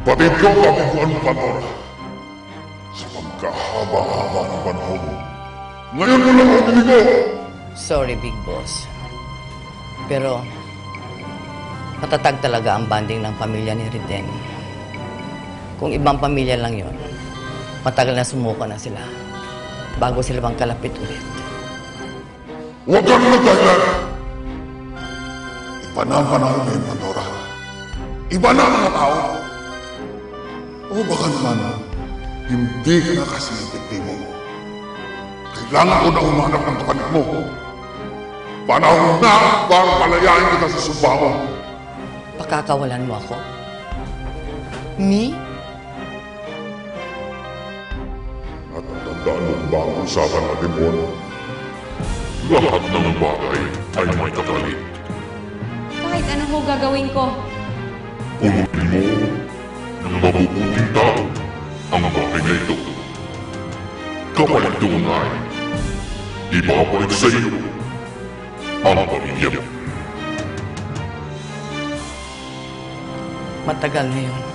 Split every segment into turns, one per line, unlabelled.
Batid ko ang kabiguan mo, Pandora. Sa pagkahaba-haba ng panahon. Ngayon mo lang ako dinigo!
Sorry, Big Boss. Pero, matatag talaga ang banding ng pamilya ni Riden. Kung ibang pamilya lang yon, matagal na sumuko na sila bago sila bang kalapit ulit.
Huwag ka na nagdahilan! Iba na ang panahon ngayon, Pandora. Iba na ang mga tao. O baka naman, hindi ka na kasi epektibo. Kailangan ko na umanap ng kapatid mo. Panahon na para palayain kita sa sumba mo.
Pakakawalan mo ako? Me?
At tandaan mo ba ang usapan natin mo? Lahat ng bagay ay may kapalit.
Kahit ano ho gagawin ko.
Pulutin mo ng mabubuting tao ang bagay na ito. Kapalit doon ay ibabalik sa iyo ang pamilya mo.
Matagal na yun.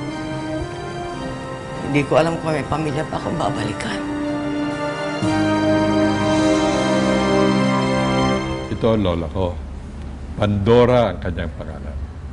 Hindi ko alam kung may pamilya pa akong babalikan.
Ito ang lola ko. Pandora ang kanyang pangalan.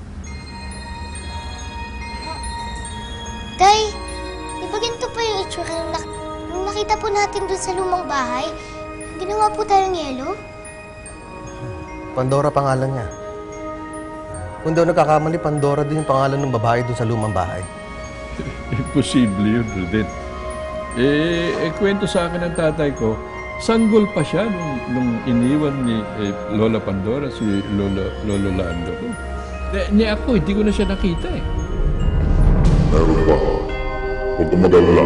Tay, di ba ganito pa yung itsura nung nakita po natin dun sa lumang bahay? Ginawa po tayong yelo?
Pandora pangalan niya. Kung daw nagkakamali, Pandora din yung pangalan ng babae dun sa lumang bahay.
Imposible yun, Rudin. Kwento sa akin ng tatay ko, sanggol pa siya nung iniwan ni Lola Pandora, si Lolo Lando ko. Ni ako, hindi ko na siya nakita eh.
Meron pa. Huwag kang mag-alala.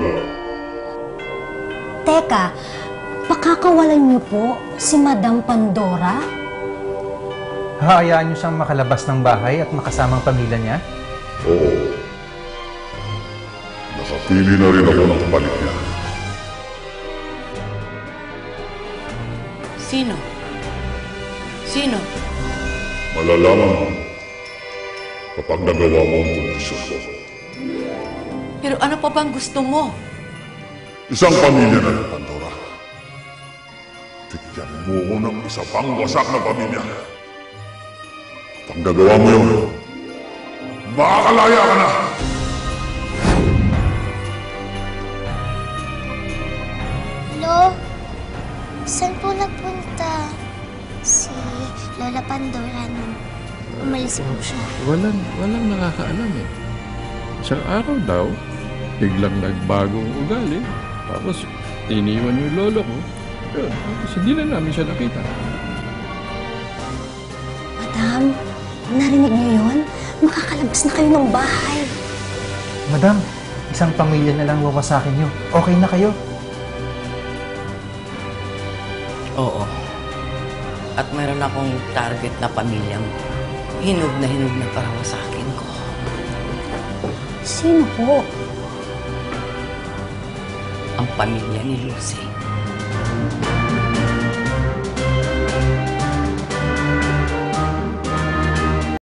Teka, pakakawalan niyo po si Madam Pandora?
Hayaan niyo siyang makalabas ng bahay at makasamang pamilya niya?
Oo. Nakapili na rin ako ng kapalit niya.
Sino? Sino?
Malalaman mo kapag nagawa mo ang kondisyon ko.
Pero ano pa bang gusto mo?
Isang pamilya na ng Pandora. Tigyan mo ko ng isa pang wasak na pamilya. Kapag nagawa mo yun, makakalaya ka na!
Lo, saan po napunta si Lola Pandora nung umalis po siya?
Walang nakakaalam eh. Isang araw daw, biglang nagbagong ugali. Tapos, iniwan yung lolo ko. Yun, tapos hindi na namin siya nakita.
Madam, narinig niyo yun? Makakalabas na kayo ng bahay.
Madam, isang pamilya na lang wawasakin niyo. Okay na kayo?
Oo. At mayroon akong target na pamilyang hinog na para sa akin ko.
Sino po?
Ang pamilya ni Lucy.